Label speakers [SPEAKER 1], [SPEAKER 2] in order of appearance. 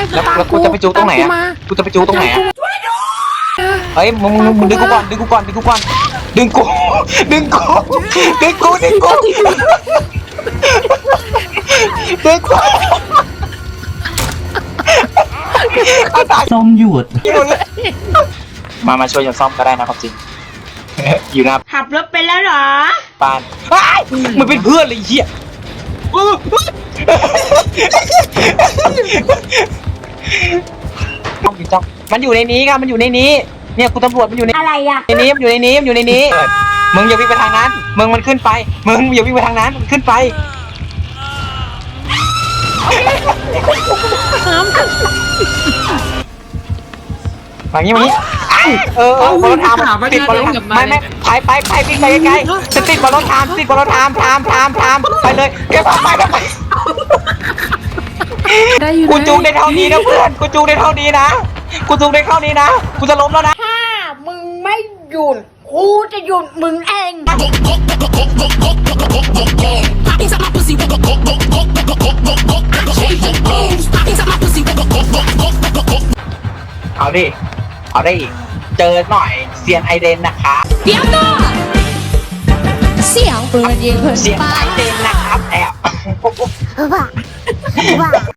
[SPEAKER 1] แล้วกูจะไปจูตรงไหนอะกูจะไปจูตรงไหนอะเฮ้ยมึงดึงกูก่อนดึงกูก่อนดึงกูก่อนดึงกูดึงกูดึงกูดึงกูดึงกู
[SPEAKER 2] ส้มหยุด
[SPEAKER 1] มาช่วยกันซ่อมก็ได้นะครับจริงอยู่นะ
[SPEAKER 3] ขับรถไปแล้วเหรอ
[SPEAKER 1] ปานมันเป็นเพื่อนเลยเหี้ยจ้องมันอยู่ในนี้ครับมันอยู่ในนี้เนี่ยคุณตำรวจมันอยู่ใน
[SPEAKER 3] อะไรอะ
[SPEAKER 1] ในนี้มันอยู่ในนี้มันอยู่ในนี้มึงอย่าวิ่งไปทางนั้นมึงมันขึ้นไปมึงอย่าวิ่งไปทางนั้นมันขึ้นไปอย่างนี้บอลรถทามติดบอลรถไม่ไปวิ่งไปไกลๆจะติดบอลรถทามติดบอลรถทามไปเลยเก็บไปกูจูงได้เท่านี้นะเพื่อนกูจูงได้เท่านี้นะกูจูงได้เท่านี้นะกูจะล้มแล้วนะ
[SPEAKER 3] ถ้ามึงไม่หยุดกูจะหยุดมึงเอง
[SPEAKER 1] เอาดิเอาได้อีกเจอหน่อยเซียนไอเดนนะคะ
[SPEAKER 4] เดี๋ยวก่อนเสียงปืนยิงขึ้น
[SPEAKER 1] เซียนไอเดนนะครับแอบ